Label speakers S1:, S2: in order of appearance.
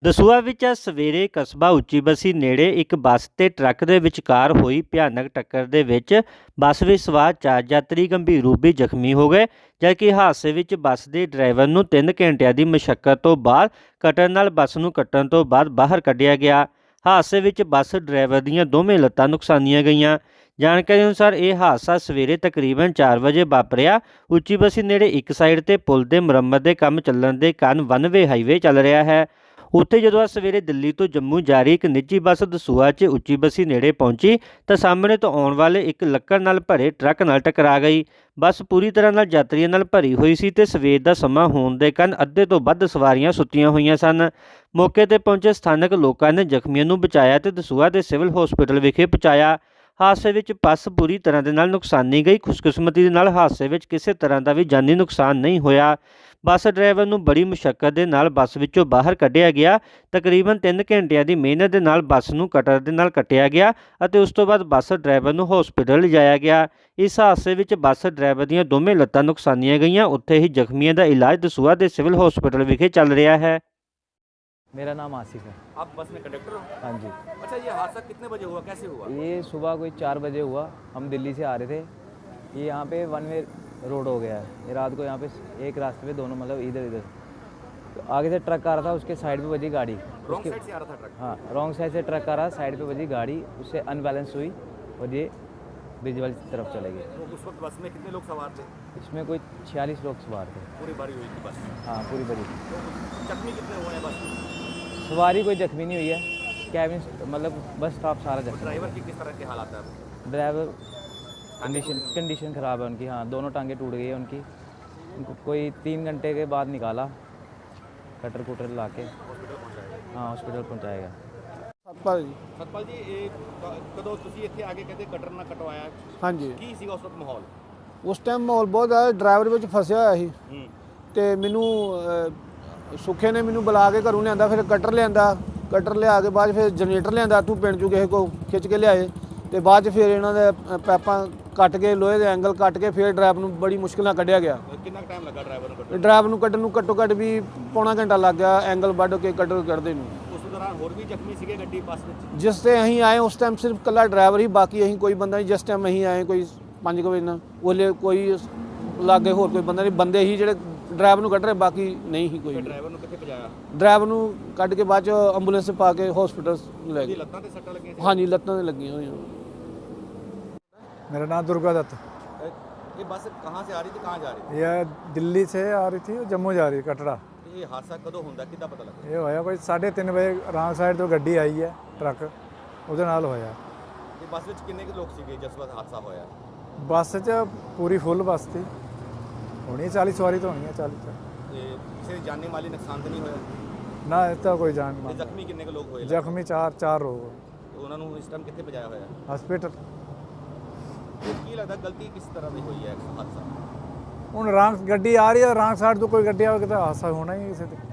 S1: ਦਸੂਹਾ ਵਿੱਚ ਅੱਜ ਸਵੇਰੇ ਕਸਬਾ ਉੱਚੀ ਬਸੀ ਨੇੜੇ ਇੱਕ ਬੱਸ ਤੇ ਟਰੱਕ ਦੇ ਵਿਚਕਾਰ ਹੋਈ ਭਿਆਨਕ ਟੱਕਰ ਦੇ ਵਿੱਚ ਬੱਸ ਵਿੱਚ ਸਵਾਰ 4 ਯਾਤਰੀ ਗੰਭੀਰ ਰੂਪ ਵਿੱਚ ਜ਼ਖਮੀ ਹੋ ਗਏ, ਜਦਕਿ ਹਾਦਸੇ ਵਿੱਚ ਬੱਸ ਦੇ ਡਰਾਈਵਰ ਨੂੰ 3 ਘੰਟਿਆਂ ਦੀ ਮਸ਼ੱਕਤ ਤੋਂ ਬਾਅਦ ਕਟਰ ਨਾਲ ਬੱਸ ਨੂੰ ਕੱਟਣ ਤੋਂ ਬਾਅਦ ਬਾਹਰ ਕੱਢਿਆ ਗਿਆ। ਹਾਦਸੇ ਵਿੱਚ ਬੱਸ ਡਰਾਈਵਰ ਦੀਆਂ ਦੋਵੇਂ ਲੱਤਾਂ ਨੁਕਸਾਨੀਆਂ ਗਈਆਂ। ਜਾਣਕਾਰੀ ਅਨੁਸਾਰ ਇਹ ਹਾਦਸਾ ਸਵੇਰੇ ਤਕਰੀਬਨ 4 ਵਜੇ ਵਾਪਰਿਆ। ਉੱਚੀ ਬਸੀ ਨੇੜੇ ਇੱਕ ਸਾਈਡ ਤੇ ਪੁਲ ਦੇ ਮੁਰੰਮਤ ਦੇ ਕੰਮ ਚੱਲਣ ਦੇ ਕਾਰਨ ਵਨ ਵੇ ਹਾਈਵੇ ਚੱਲ ਰਿਹਾ ਹੈ। ਉੱਥੇ ਜਦੋਂ ਅੱਜ ਸਵੇਰੇ ਦਿੱਲੀ ਤੋਂ ਜੰਮੂ ਜਾ ਰਹੀ ਇੱਕ ਨਿੱਜੀ ਬੱਸ ਦਸੂਹਾ 'ਚ ਉੱਚੀ ਬਸੀ ਨੇੜੇ ਪਹੁੰਚੀ ਤਾਂ ਸਾਹਮਣੇ ਤੋਂ ਆਉਣ ਵਾਲੇ ਇੱਕ ਲੱਕੜ ਨਾਲ ਭਰੇ ਟਰੱਕ ਨਾਲ ਟਕਰਾ ਗਈ। ਬੱਸ ਪੂਰੀ ਤਰ੍ਹਾਂ ਨਾਲ ਯਾਤਰੀਆਂ ਨਾਲ ਭਰੀ ਹੋਈ ਸੀ ਤੇ ਸਵੇਰ ਦਾ ਸਮਾਂ ਹੋਣ ਦੇ ਕਾਰਨ ਅੱਧੇ ਤੋਂ ਵੱਧ ਸਵਾਰੀਆਂ ਸੁੱਤੀਆਂ ਹੋਈਆਂ ਸਨ। ਮੌਕੇ ਤੇ ਪਹੁੰਚੇ ਸਥਾਨਕ ਲੋਕਾਂ ਨੇ ਜ਼ਖਮੀਆਂ ਨੂੰ ਬਚਾਇਆ ਤੇ ਦਸੂਹਾ ਦੇ ਸਿਵਲ ਹਸਪਤਾਲ ਵਿਖੇ ਪਹੁੰਚਾਇਆ। ਹਾਦਸੇ ਵਿੱਚ ਬੱਸ ਪੂਰੀ ਤਰ੍ਹਾਂ ਦੇ ਨਾਲ ਨੁਕਸਾਨੀ ਗਈ। ਖੁਸ਼ਕਿਸਮਤੀ ਦੇ ਨਾਲ ਹਾਦਸੇ ਵਿੱਚ ਕਿਸੇ ਤਰ੍ਹਾਂ ਦਾ ਵੀ ਜਾਨੀ ਨੁਕਸਾਨ ਨਹੀਂ ਹੋਇਆ। ਬੱਸ ਡਰਾਈਵਰ ਨੂੰ ਬੜੀ ਮੁਸ਼ੱਕਤ ਦੇ ਨਾਲ ਬੱਸ ਵਿੱਚੋਂ ਬਾਹਰ ਕੱਢਿਆ ਗਿਆ। ਤਕਰੀਬਨ 3 ਘੰਟਿਆਂ ਦੀ ਮਿਹਨਤ ਦੇ ਨਾਲ ਬੱਸ ਨੂੰ ਕਟਰ ਦੇ ਨਾਲ ਕੱਟਿਆ ਗਿਆ ਅਤੇ ਉਸ ਤੋਂ ਬਾਅਦ ਬੱਸ ਡਰਾਈਵਰ ਨੂੰ ਹਸਪਤਾਲ ਲਿਜਾਇਆ ਗਿਆ। ਇਸ ਹਾਦਸੇ ਵਿੱਚ ਬੱਸ ਡਰਾਈਵਰ ਦੀਆਂ ਦੋਵੇਂ ਲੱਤਾਂ ਨੁਕਸਾਨੀਆਂ ਗਈਆਂ। ਉੱਥੇ ਹੀ ਜ਼ਖਮੀਆਂ ਦਾ ਇਲਾਜ ਦਸੂਹਾ ਦੇ ਸਿਵਲ ਹਸਪਤਾਲ ਵਿਖੇ ਚੱਲ ਰਿਹਾ है।
S2: मेरा नाम आसिफ है।
S3: आप बस में कंडक्टर हो?
S2: हाँ जी।
S3: अच्छा, ये हादसा कितने बजे हुआ, कैसे हुआ?
S2: ये सुबह कोई 4 बजे हुआ। हम दिल्ली से आ रहे थे। ये यहाँ पे वन वे रोड हो गया है। ये रात को यहाँ पे एक रास्ते पे दोनों मतलब इधर इधर तो आगे से ट्रक आ रहा था, उसके साइड पे बजी गाड़ी।
S3: रॉन्ग साइड से आ रहा था ट्रक?
S2: हाँ, रॉन्ग साइड से ट्रक आ रहा, साइड पे बजी गाड़ी, उससे अनबैलेंस हुई और ये ब्रिज वाली तरफ चले गए।
S3: तो उस वक्त बस में कितने लोग सवार थे?
S2: इसमें कोई 46 लोग सवार थे।
S3: पूरी भरी हुई थी बस?
S2: हाँ, पूरी भरी।
S3: तो जख्मी कितने हुए हैं बस में?
S2: सवारी कोई जख्मी नहीं हुई है। कैबिन मतलब बस स्टाफ सारा जख्मी।
S3: ड्राइवर की किस तरह के हालात है?
S2: ड्राइवर कंडीशन ख़राब है उनकी। हाँ, दोनों टांगे टूट गई है उनकी। उनको कोई 3 घंटे के बाद निकाला, कटर कुटर ला के
S3: हॉस्पिटल पहुंचाया?
S2: हाँ हॉस्पिटल पहुँचाएगा।
S4: ਸਤਪਾਲ ਜੀ।
S3: सतपाल जी, कदों ਤੁਸੀਂ ਇੱਥੇ ਆ ਕੇ ਕਹਿੰਦੇ ਕਟਰ ਨਾ ਕਟਵਾਇਆ,
S4: ਹਾਂਜੀ,
S3: ਕੀ ਸੀਗਾ ਉਸ ਵਕਤ ਮਾਹੌਲ?
S4: ਉਸ ਟਾਈਮ ਮਾਹੌਲ ਬਹੁਤ ਜ਼ਿਆਦਾ ਡਰਾਈਵਰ ਵਿੱਚ ਫਸਿਆ ਹੋਇਆ ਸੀ
S3: ਹੂੰ।
S4: ਤੇ ਮੈਨੂੰ ਸੁੱਖੇ ਨੇ ਮੈਨੂੰ ਬੁਲਾ ਕੇ ਘਰੋਂ ਲਿਆਂਦਾ, ਫਿਰ ਕਟਰ ਲਿਆਂਦਾ, ਕਟਰ ਲਿਆ ਕੇ ਬਾਅਦ ਫਿਰ ਜਨਰੇਟਰ ਲਿਆਂਦਾ, ਤੂੰ ਪਿੰਡ ਚੋਂ ਕਿਸੇ ਕੋ ਖਿੱਚ ਕੇ ਲਿਆਏ ਤੇ ਬਾਅਦ 'ਚ ਫਿਰ ਇਹਨਾਂ ਦੇ ਪੈਪਾਂ ਕੱਟ ਕੇ ਲੋਹੇ ਦੇ ਐਂਗਲ ਕੱਟ ਕੇ ਫਿਰ ਡਰਾਈਵਰ ਨੂੰ ਬੜੀ ਮੁਸ਼ਕਿਲ ਨਾਲ ਕੱਢਿਆ ਗਿਆ।
S3: ਕਿੰਨਾ ਟਾਈਮ ਲੱਗਾ ਡਰਾਈਵਰ ਨੂੰ ਕੱਢਣ?
S4: ਡਰਾਈਵਰ ਨੂੰ ਕੱਢਣ ਨੂੰ ਘੱਟੋ ਘੱਟ ਵੀ ਪੌਣਾ ਘੰਟਾ ਲੱਗ ਗਿਆ, ਐਂਗਲ ਵੱਢ ਕੇ ਕਟਰ ਕੱਢਦੇ ਨੂੰ।
S3: ਉਸ ਦੌਰਾਨ ਹੋਰ ਵੀ ਜ਼ਖਮੀ ਸੀਗੇ ਗੱਡੀ ਬੱਸ ਵਿੱਚ?
S4: ਜਿਸ ਤੇ ਅਸੀਂ ਆਏ ਉਸ ਟਾਈਮ ਸਿਰਫ ਇਕੱਲਾ ਡਰਾਈਵਰ ਹੀ, ਬਾਕੀ ਅਸੀਂ ਕੋਈ ਬੰਦਾ ਨਹੀਂ। ਜਿਸ ਟਾਈਮ ਅਸੀਂ ਆਏ ਕੋਈ 5 ਵਜੇ ਨਾਲ ਉਹਲੇ ਕੋਈ ਲਾਗੇ ਹੋਰ ਕੋਈ ਬੰਦਾ ਨਹੀਂ, ਬੰਦੇ ਹੀ ਜਿਹੜੇ ਡਰਾਈਵਰ ਨੂੰ ਕੱਢ ਰਹੇ, ਬਾਕੀ ਨਹੀਂ ਹੀ ਕੋਈ।
S3: ਡਰਾਈਵਰ ਨੂੰ ਕਿੱਥੇ ਪਹੁੰਚਾਇਆ?
S4: ਡਰਾਈਵਰ ਨੂੰ ਕੱਢ ਕੇ ਬਾਅਦ 'ਚ ਐਂਬੂਲੈਂਸ 'ਚ ਪਾ ਕੇ ਹਸਪੀਟਲ ਲੈ
S3: ਉਹਦੀ
S4: ਗਏ।
S3: ਲੱਤਾਂ ਤੇ ਸੱਟਾਂ ਲੱਗੀਆਂ ਸੀ?
S4: ਹਾਂਜੀ, ਲੱਤਾਂ ਤੇ ਲੱਗੀਆਂ ਹੋਈਆਂ।
S5: मेरा नाम दुर्गा दत्त।
S3: ये बस कहाँ से आ रही थी, कहाँ जा रही थी?
S5: यह दिल्ली से आ रही थी, जम्मू जा रही कटरा।
S3: ये हादसा कदों ਹੁੰਦਾ ਕਿੱਦਾਂ ਪਤਾ ਲੱਗਾ?
S5: ये होया कोई 3:30 बजे रॉन्ग साइड तो गड्डी आई है ट्रक, ਉਹਦੇ ਨਾਲ ਹੋਇਆ।
S3: ਇਹ ਬੱਸ ਵਿੱਚ ਕਿੰਨੇ ਕੁ ਲੋਕ ਸੀਗੇ ਜਿਸ ਵਕਤ ਹਾਦਸਾ ਹੋਇਆ?
S5: ਬੱਸ 'ਚ ਪੂਰੀ ਫੁੱਲ ਬੱਸ ਸੀ, ਹੋਣੀ 40 ਸਵਾਰੀ ਤਾਂ ਹੋਣੀ ਹੈ 40 'ਚ।
S3: ਤੇ ਕਿਸੇ ਦੀ ਜਾਨੀ ਮਾਲੀ ਨੁਕਸਾਨ ਤਾਂ ਨਹੀਂ ਹੋਇਆ?
S5: ਨਾ ਇਸ ਤਾਂ ਕੋਈ ਜਾਨ
S3: ਤੇ
S5: ਮਾਲ।
S3: ਜ਼ਖਮੀ ਕਿੰਨੇ ਕੁ ਲੋਕ ਹੋਏ?
S5: ਜ਼ਖਮੀ ਚਾਰ ਲੋਕ
S3: ਤੇ ਉਹਨਾਂ ਨੂੰ ਇਸ ਟਾਈਮ ਕਿੱਥੇ ਪਹੁੰਚਾਇਆ ਹੋਇਆ?
S5: ਹਸਪੀਟਲ।
S3: ਤੇ ਕੀ ਲੱਗਦਾ ਗਲਤੀ ਕਿਸ ਤਰ੍ਹਾਂ ਦੀ ਹੋਈ ਹੈ ਹਾਦਸਾ?
S5: ਹੁਣ ਰੌਂਗ ਗੱਡੀ ਆ ਰਹੀ ਹੈ, ਰੌਂਗ ਸਾਈਡ ਤੋਂ ਕੋਈ ਗੱਡੀ ਆਵੇ ਤਾਂ ਹਾਦਸਾ ਹੋਣਾ ਹੀ ਕਿਸੇ ਤੇ।